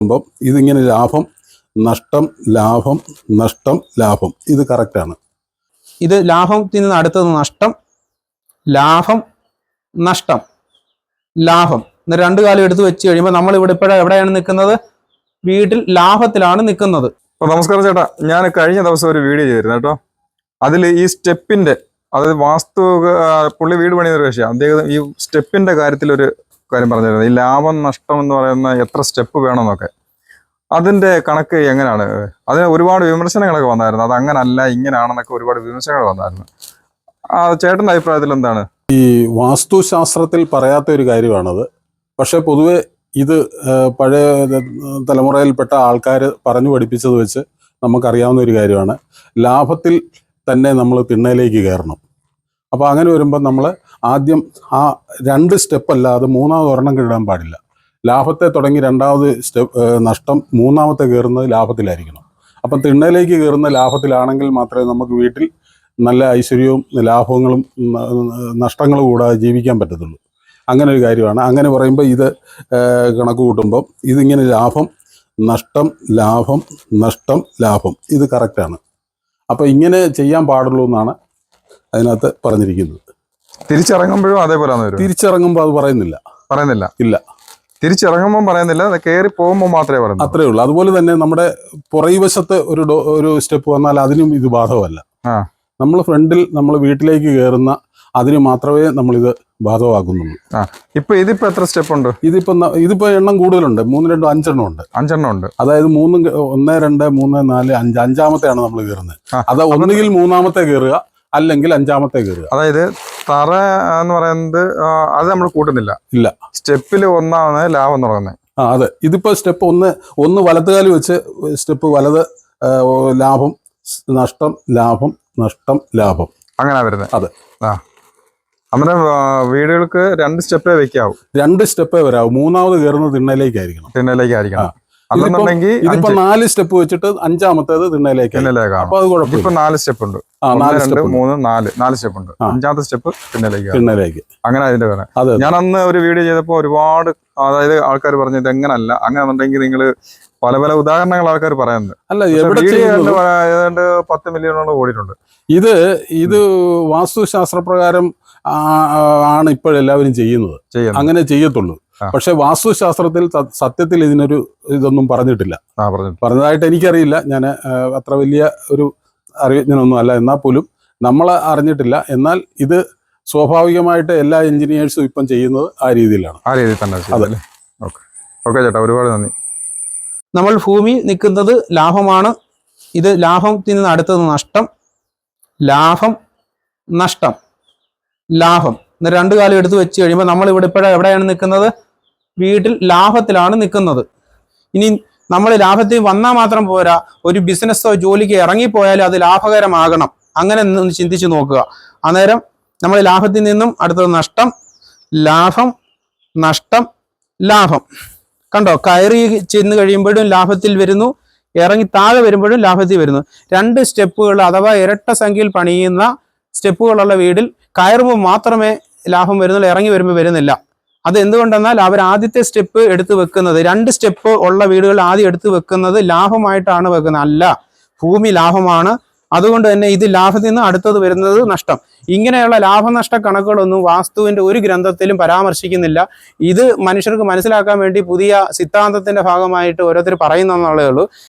ഇതിങ്ങനെ ലാഭം നഷ്ടം ലാഭം നഷ്ടം ലാഭം ഇത് കറക്റ്റാണ്. ഇത് ലാഭത്തിൽ നിന്ന് അടുത്തത് നഷ്ടം ലാഭം നഷ്ടം ലാഭം. എന്നിട്ട് രണ്ടു കാലം എടുത്ത് വെച്ച് കഴിയുമ്പോൾ നമ്മൾ ഇവിടെ എവിടെയാണ് നിൽക്കുന്നത്? വീട്ടിൽ ലാഭത്തിലാണ് നിൽക്കുന്നത്. നമസ്കാരം ചേട്ടാ, ഞാൻ കഴിഞ്ഞ ദിവസം ഒരു വീഡിയോ ചെയ്തിരുന്നു കേട്ടോ. അതിൽ ഈ സ്റ്റെപ്പിന്റെ, അതായത് പുള്ളി വീട് പണിയൊരു വിഷയം, അദ്ദേഹം ഈ സ്റ്റെപ്പിന്റെ കാര്യത്തിലൊരു കാര്യം പറഞ്ഞിരുന്നു. ഈ ലാഭം നഷ്ടം എന്ന് പറയുന്ന എത്ര സ്റ്റെപ്പ് വേണമെന്നൊക്കെ, അതിന്റെ കണക്ക് എങ്ങനെയാണ്? അതിന് ഒരുപാട് വിമർശനങ്ങളൊക്കെ വന്നായിരുന്നു. അത് അങ്ങനല്ല ഇങ്ങനെയാണെന്നൊക്കെ ഒരുപാട് വിമർശനങ്ങൾ വന്നായിരുന്നു. ചേട്ടന്റെ അഭിപ്രായത്തിൽ എന്താണ്? ഈ വാസ്തുശാസ്ത്രത്തിൽ പറയാത്ത ഒരു കാര്യമാണത്. പക്ഷെ പൊതുവെ ഇത് പഴയ തലമുറയിൽപ്പെട്ട ആൾക്കാർ പറഞ്ഞു പഠിപ്പിച്ചത് വെച്ച് നമുക്കറിയാവുന്ന ഒരു കാര്യമാണ്. ലാഭത്തിൽ തന്നെ നമ്മൾ തിണ്ണയിലേക്ക് കയറണം. അപ്പോൾ അങ്ങനെ വരുമ്പോൾ നമ്മൾ ആദ്യം ആ 2 സ്റ്റെപ്പ് അല്ലാതെ 3ാമത് ഒരെണ്ണം കിടാൻ പാടില്ല. ലാഭത്തെ തുടങ്ങി 2ാമത് സ്റ്റെപ്പ് നഷ്ടം, 3ാമത്തെ കയറുന്നത് ലാഭത്തിലായിരിക്കണം. അപ്പം തിണ്ണയിലേക്ക് കയറുന്ന ലാഭത്തിലാണെങ്കിൽ മാത്രമേ നമുക്ക് വീട്ടിൽ നല്ല ഐശ്വര്യവും ലാഭങ്ങളും നഷ്ടങ്ങളും കൂടാതെ ജീവിക്കാൻ പറ്റത്തുള്ളൂ. അങ്ങനെ ഒരു കാര്യമാണ്. അങ്ങനെ പറയുമ്പോൾ ഇത് കണക്ക് കൂട്ടുമ്പം ഇതിങ്ങനെ ലാഭം നഷ്ടം ലാഭം നഷ്ടം ലാഭം ഇത് കറക്റ്റാണ്. അപ്പോൾ ഇങ്ങനെ ചെയ്യാൻ പാടുള്ളൂ എന്നാണ് അതിനകത്ത് പറഞ്ഞിരിക്കുന്നത്. തിരിച്ചിറങ്ങുമ്പോഴും അതേപോലെ തിരിച്ചിറങ്ങുമ്പോൾ അത് പറയുന്നില്ല ഇല്ല. തിരിച്ചിറങ്ങുമ്പോൾ പറയുന്നില്ല, കയറി പോകുമ്പോൾ മാത്രമേ പറയുന്നു. അത്രേ ഉള്ളൂ. അതുപോലെ തന്നെ നമ്മുടെ പുറകുവശത്ത് ഒരു സ്റ്റെപ്പ് വന്നാൽ അതിനും ഇത് ബാധകമല്ല. നമ്മൾ ഫ്രണ്ടിൽ നമ്മൾ വീട്ടിലേക്ക് കയറുന്ന അതിന് മാത്രമേ നമ്മളിത് ബാധകമാക്കുന്നുള്ളൂ. ഇതിപ്പോ എത്ര സ്റ്റെപ്പ് ഉണ്ട്? ഇതിപ്പോ എണ്ണം കൂടുതലുണ്ട്. 3, 2, 5 5 ഉണ്ട്. അതായത് 3, 1, 2, 3, 4, 5 5ാമത്തെയാണ് നമ്മൾ കയറുന്നത്. അത് ഒന്നുകിൽ 3ാമത്തെ കയറുക അല്ലെങ്കിൽ 5ാമത്തെ കയറുക. അതായത് തറ എന്ന് പറയുന്നത് അത് നമ്മൾ കൂട്ടുന്നില്ല. ഇല്ല, സ്റ്റെപ്പിൽ 1ാമത് ലാഭം തുടങ്ങുന്നത്. അതെ. ഇതിപ്പോ സ്റ്റെപ്പ് ഒന്ന് വലത്തുകാലി വെച്ച് സ്റ്റെപ്പ് വലത് ലാഭം നഷ്ടം ലാഭം നഷ്ടം ലാഭം അങ്ങനെ വരുന്നത്. അതെ. നമ്മുടെ വീടുകൾക്ക് 2 സ്റ്റെപ്പേ വെക്കാവൂ. 2 സ്റ്റെപ്പേ വരാവൂ. 3ാമത് കയറുന്നത് തിണ്ണയിലേക്കായിരിക്കണം. ഇതിപ്പോ 4 സ്റ്റെപ്പ് വെച്ചിട്ട് 5ാമത്തേത് തിണ്ണയിലേക്കാണ്. അപ്പൊ അത് കുഴപ്പമില്ല. ഇപ്പൊ 4 സ്റ്റെപ്പ് ഉണ്ട്. 1, 2, 3, 4 സ്റ്റെപ്പ് ഉണ്ട്. 5ാമത്തെ സ്റ്റെപ്പ് തിണ്ണയിലേക്ക്. അങ്ങനെ അതിന്റെ വേണം. ഞാൻ അന്ന് ഒരു വീഡിയോ ചെയ്തപ്പോ ഒരുപാട്, അതായത് ആൾക്കാർ പറഞ്ഞത് എങ്ങനല്ല, അങ്ങനെന്നുണ്ടെങ്കിൽ നിങ്ങൾ പല പല ഉദാഹരണങ്ങൾ ആൾക്കാർ പറയുന്നത്. അല്ല, ഏതാണ്ട് 10 മില്യണോളം ഓടിയിട്ടുണ്ട്. ഇത് വാസ്തുശാസ്ത്രപ്രകാരം ആണ് ഇപ്പോഴെല്ലാവരും ചെയ്യുന്നത്. അങ്ങനെ ചെയ്യത്തുള്ളൂ. പക്ഷെ വാസ്തുശാസ്ത്രത്തിൽ സത്യത്തിൽ ഇതിനൊരു ഇതൊന്നും പറഞ്ഞിട്ടില്ല. പറഞ്ഞതായിട്ട് എനിക്കറിയില്ല. ഞാൻ അത്ര വലിയ ഒരു അറിവിജ്ഞനൊന്നും അല്ല. എന്നാൽ പോലും നമ്മൾ അറിഞ്ഞിട്ടില്ല. എന്നാൽ ഇത് സ്വാഭാവികമായിട്ട് എല്ലാ എഞ്ചിനീയേഴ്സും ഇപ്പം ചെയ്യുന്നത് ആ രീതിയിലാണ്. ആ രീതിയിൽ തന്നെ. ഓക്കെ ചേട്ടാ, ഒരുപാട് നന്ദി. നമ്മൾ ഭൂമി നിൽക്കുന്നത് ലാഭമാണ്. ഇത് ലാഭത്തിൽ നിന്ന് അടുത്തത് നഷ്ടം ലാഭം നഷ്ടം ലാഭം. എന്നിട്ട് 2 കാലം എടുത്ത് വെച്ച് കഴിയുമ്പോൾ നമ്മൾ ഇവിടെ എവിടെയാണ് നിൽക്കുന്നത്? വീട്ടിൽ ലാഭത്തിലാണ് നിൽക്കുന്നത്. ഇനി നമ്മൾ ലാഭത്തിൽ വന്നാൽ മാത്രം പോരാ, ഒരു ബിസിനസ്സോ ജോലിക്ക് ഇറങ്ങിപ്പോയാലും അത് ലാഭകരമാകണം. അങ്ങനെ ഒന്ന് ചിന്തിച്ച് നോക്കുക. അന്നേരം നമ്മൾ ലാഭത്തിൽ നിന്നും അടുത്തത് നഷ്ടം ലാഭം നഷ്ടം ലാഭം. കണ്ടോ? കയറി ചെന്ന് കഴിയുമ്പോഴും ലാഭത്തിൽ വരുന്നു, ഇറങ്ങി താഴെ വരുമ്പോഴും ലാഭത്തിൽ വരുന്നു. 2 സ്റ്റെപ്പുകൾ അഥവാ ഇരട്ട സംഖ്യയിൽ പണിയുന്ന സ്റ്റെപ്പുകളുള്ള വീടിൽ കയറുമ്പോൾ മാത്രമേ ലാഭം വരുന്നുള്ളൂ, ഇറങ്ങി വരുമ്പോൾ വരുന്നില്ല. അത് എന്തുകൊണ്ടെന്നാൽ അവർ ആദ്യത്തെ സ്റ്റെപ്പ് എടുത്ത് വെക്കുന്നത്, 2 സ്റ്റെപ്പ് ഉള്ള വീടുകൾ ആദ്യം എടുത്ത് വെക്കുന്നത് ലാഭമായിട്ടാണ് വെക്കുന്നത്. അല്ല, ഭൂമി ലാഭമാണ്. അതുകൊണ്ട് തന്നെ ഇത് ലാഭത്തിൽ നിന്ന് അടുത്തത് വരുന്നത് നഷ്ടം. ഇങ്ങനെയുള്ള ലാഭനഷ്ട കണക്കുകളൊന്നും വാസ്തുവിന്റെ ഒരു ഗ്രന്ഥത്തിലും പരാമർശിക്കുന്നില്ല. ഇത് മനുഷ്യർക്ക് മനസ്സിലാക്കാൻ വേണ്ടി പുതിയ സിദ്ധാന്തത്തിന്റെ ഭാഗമായിട്ട് ഓരോരുത്തർ പറയുന്നതെന്നുള്ളതേ ഉള്ളൂ.